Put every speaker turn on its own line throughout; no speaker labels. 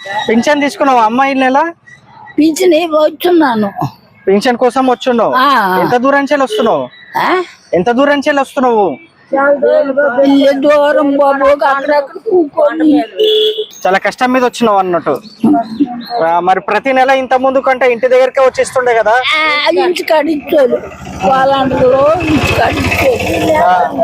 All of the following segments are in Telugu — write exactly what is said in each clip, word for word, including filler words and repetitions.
పింఛన్ తీసుకున్నావు అమ్మ ఈ నెల?
పింఛన్ వచ్చున్నాను.
పింఛన్ కోసం వచ్చున్నావు? ఎంత దూరం నుంచి వస్తున్నావు? ఎంత దూరం నుంచి వస్తున్నావు?
దూరం బాబు, అక్కడక్కడ కూకొని
చాలా కష్టం మీద వచ్చినావు అన్నట్టు. మరి ప్రతి నెల ఇంత ముందు కంటే ఇంటి దగ్గరకే వచ్చేస్తుండే కదా?
ఇంటి కాడిచ్చారు వాళ్ళందరూ, ఇంటి కాడిచ్చారు.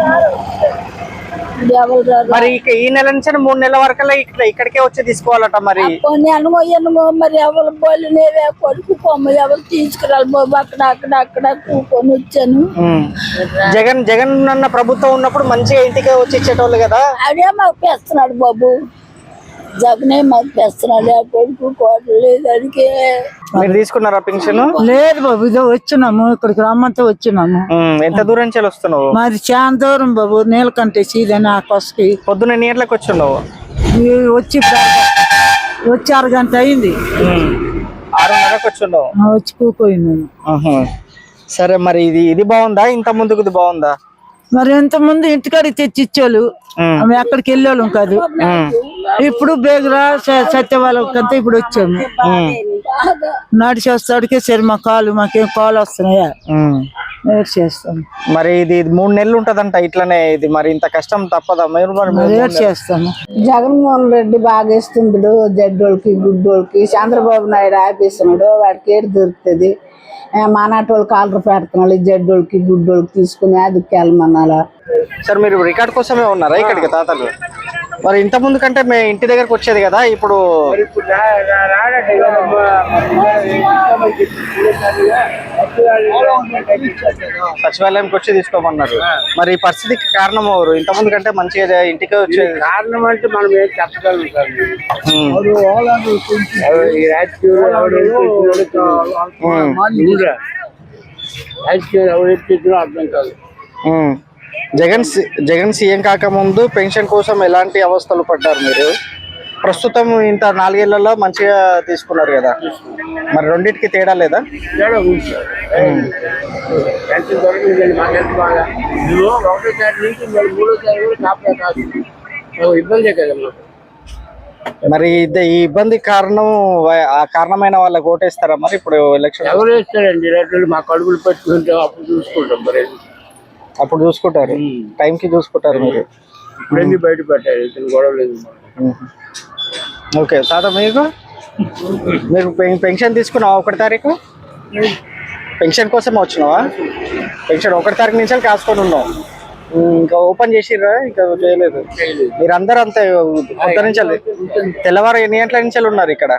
మరి ఈ నెల నుంచి మూడు నెలల వరకు ఇక్కడ ఇక్కడికే వచ్చి తీసుకోవాలట. మరి
ఎనమో ఎనమో మరి ఎవరు బోలు కొడుకు పొమ్మ ఎవరు తీసుకురాలి బాబు, అక్కడ అక్కడ అక్కడ కూకొని వచ్చాను.
జగన్ జగన్ అన్న ప్రభుత్వం ఉన్నప్పుడు మంచిగా ఇంటికే వచ్చి ఇచ్చేటోళ్ళు కదా.
అదే మాకు పెస్తున్నాడు బాబు, జగనే మాకు పెస్తున్నాడు. ఆ కొడుకు కోటలు లేదు. అడిగే
మీరు తీసుకున్నారా పింఛను?
లేదు బాబు, ఇదో వచ్చినాము, ఇక్కడికి రమ్మంతా వచ్చినాము.
ఎంత దూరం నుంచి వస్తున్నావు?
మరి చాలా దూరం బాబు, నీళ్ళకంటే సీదని ఆ కొసకి.
పొద్దున్న ఎన్ని గంటలకు వచ్చిన్నావు?
వచ్చి వచ్చి అర గంట అయింది.
ఆరున్నరకు వచ్చిన్నావు?
వచ్చి కూకోయినాను.
సరే, మరి ఇది ఇది బాగుందా? ఇంత ముందుకు ఇది బాగుందా?
మరి ఎంత ముందు ఇంటికాడికి తెచ్చి ఇచ్చేవాళ్ళు, ఆమె ఎక్కడికి వెళ్ళేవాళ్ళం కాదు. ఇప్పుడు బేగురా సత్య వాళ్ళకంతా ఇప్పుడు వచ్చాము. నడిచి వస్తాడికే సరే మా కాలు, మాకేం కాలు వస్తున్నాయా చేస్తాం.
మరి ఇది మూడు నెలలు ఉంటదంట ఇట్లనే. ఇది మరి ఇంత కష్టం తప్పదా? మీరు
చేస్తాము.
జగన్మోహన్ రెడ్డి బాగా ఇస్తుండడు జడ్డోళ్ళకి గుడ్డోళ్ళకి. చంద్రబాబు నాయుడు ఆపేస్తున్నాడు, వాడికి ఏడు దొరుకుతుంది. మానాటోళ్ళు కాలర్ పెడుతున్నాడు, జడ్డోళ్ళకి గుడ్డోళ్ళకి తీసుకుని అదికి వెళ్ళమన్నాలా.
సార్, మీరు రికార్డ్ కోసమే ఉన్నారా ఇక్కడికి తాతలు? మరి ఇంత ముందు కంటే మేము ఇంటి దగ్గరకు వచ్చేది కదా, ఇప్పుడు సచివాలయంకి వచ్చి తీసుకోమన్నారు. మరి ఈ పరిస్థితికి కారణం ఎవరు? ఇంత ముందు కంటే మంచిగా ఇంటికి వచ్చేది.
కారణం అంటే మనం ఏం చెప్పగలం సార్. అర్థం కాదు.
జగన్ జగన్ సీఎం కాకముందు పెన్షన్ కోసం ఎలాంటి అవస్థలు పడ్డారు మీరు? ప్రస్తుతం ఇంత నాలుగేళ్లలో మంచిగా తీసుకున్నారు కదా, మరి రెండింటికి తేడా లేదా?
ఇబ్బంది కదా
మరి ఈ ఇబ్బంది కారణం ఆ కారణమైన వాళ్ళకి ఓటేస్తారా? మరి ఇప్పుడు ఎలక్షన్
ఎవరు వేస్తారండి? రేట్లు మా కడుపులు పెట్టుకుంటే అప్పుడు చూసుకుంటాం. మరి
అప్పుడు చూసుకుంటారు, టైంకి చూసుకుంటారు. మీరు
ఇప్పుడన్నీ బయట పెట్టారు, ఇతను గొడవ లేదు.
ఓకే తాత, మీకు మీరు పెన్షన్ తీసుకున్నావా? ఒకటి తారీఖు పెన్షన్ కోసం వచ్చినావా? పెన్షన్ ఒకటి తారీఖు నుంచి కాసుకొని ఉన్నావు, ఇంకా ఓపెన్ చేసిర్రా? ఇంకా చేయలేదు. మీరు అందరూ అంతే పొద్దు నుంచి తెల్లవారు ఎన్ని గంటల నుంచి ఉన్నారు ఇక్కడ?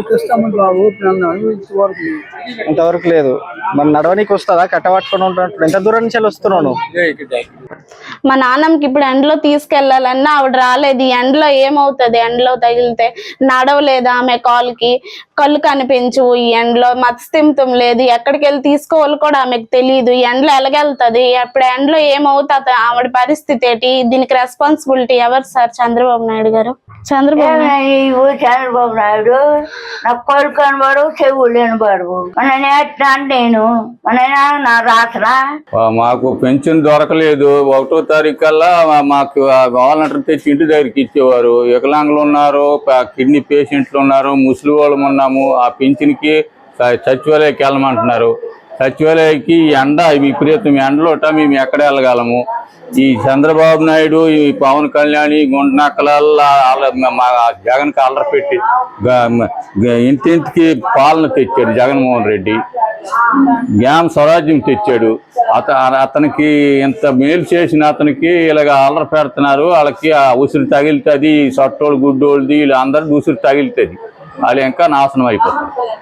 ఇంతవరకు లేదు. మరి నడవనికి వస్తుందా? కట్టబట్టుకొని ఉంటున్నట్టు ఎంత దూరం నుంచి వస్తున్నాను?
మా నాన్నమ్మకి ఇప్పుడు ఎండలో తీసుకెళ్లాలన్నా ఆవిడ రాలేదు. ఈ ఎండలో ఏమవుతుంది? ఎండలో తగిలితే నడవలేదు ఆమె, కాలుకి కళ్ళు కనిపించు. ఈ ఎండలో మత్స్తిమితం లేదు, ఎక్కడికి వెళ్ళి తీసుకోవాలి కూడా ఆమెకు తెలియదు. ఈ ఎండలో ఎలాగెళ్తుంది? అప్పుడు ఎండలో ఏమవుతుంది? ఆవిడ పరిస్థితి ఏంటి? దీనికి రెస్పాన్సిబిలిటీ ఎవరు సార్? చంద్రబాబు నాయుడు గారు. చంద్రబాబు
చంద్రబాబు నాయుడు నాకు కళ్ళు కనబడు, చెవులు వినబడు. నేను నా రాసరా
మాకు పెన్షన్ దొరకలేదు. ఒకటో తారీఖు కల్లా మాకు వాలంటీర్ తెచ్చి ఇంటి దగ్గరికి ఇచ్చేవారు. వికలాంగులు ఉన్నారు, కిడ్నీ పేషెంట్లు ఉన్నారు, ముసలి వాళ్ళం ఉన్నాము. ఆ పెన్షన్కి సచివాలయకి వెళ్ళమంటున్నారు. సచివాలయకి ఎండ విపరీతం ఎండలోట మేము ఎక్కడ వెళ్ళగలము? ఈ చంద్రబాబు నాయుడు, ఈ పవన్ కళ్యాణ్, గుంటనక్కలల్లా మా జగన్ కాలర్ పెట్టి ఇంటింటికి పాలన తెచ్చాడు జగన్మోహన్ రెడ్డి. గ్రామ స్వరాజ్యం తెచ్చాడు. అత అతనికి ఎంత మేలు చేసిన అతనికి ఇలాగ అల్లరి పెడుతున్నారు. వాళ్ళకి ఆ ఉసిరి తగిలితుంది, సొట్టోళ్ళు గుడ్డోళ్ళది వీళ్ళు అందరికీ ఉసిరి తగిలితుంది. వాళ్ళు ఇంకా నాశనం అయిపోతుంది.